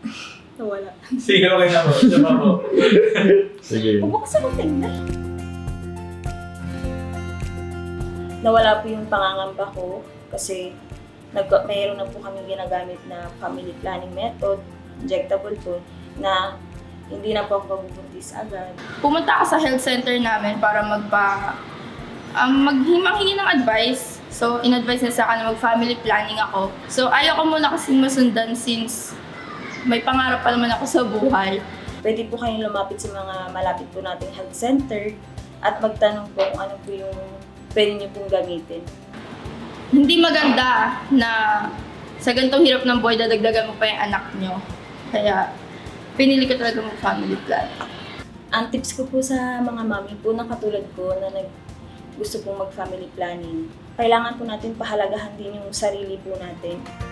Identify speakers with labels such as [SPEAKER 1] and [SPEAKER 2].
[SPEAKER 1] Nawala.
[SPEAKER 2] Sige, okay na po. Isa pa po.
[SPEAKER 3] Sige.
[SPEAKER 1] Bubukas ako tingnan. Nawala po yung pangangamba ko kasi mayroon na po kami ginagamit na family planning method, injectable po, na hindi na po ako mabubuntis agad.
[SPEAKER 4] Pumunta ako sa health center namin para maghingi ng advice. So, in-advise na sa akin na mag-family planning ako. So, ayaw ko muna kasing masundan since may pangarap pa naman ako sa buhay.
[SPEAKER 1] Pwede po kayong lumapit sa mga malapit po nating health center at magtanong po kung ano po yung pwede niyo pong gamitin.
[SPEAKER 4] Hindi maganda na sa ganitong hirap ng buhay, dadagdagan mo pa yung anak nyo. Kaya, pinili ko talaga mag-family plan.
[SPEAKER 1] Ang tips ko po sa mga mami po na katulad ko na gusto pong mag-family planning, kailangan po natin pahalagahan din yung sarili po natin.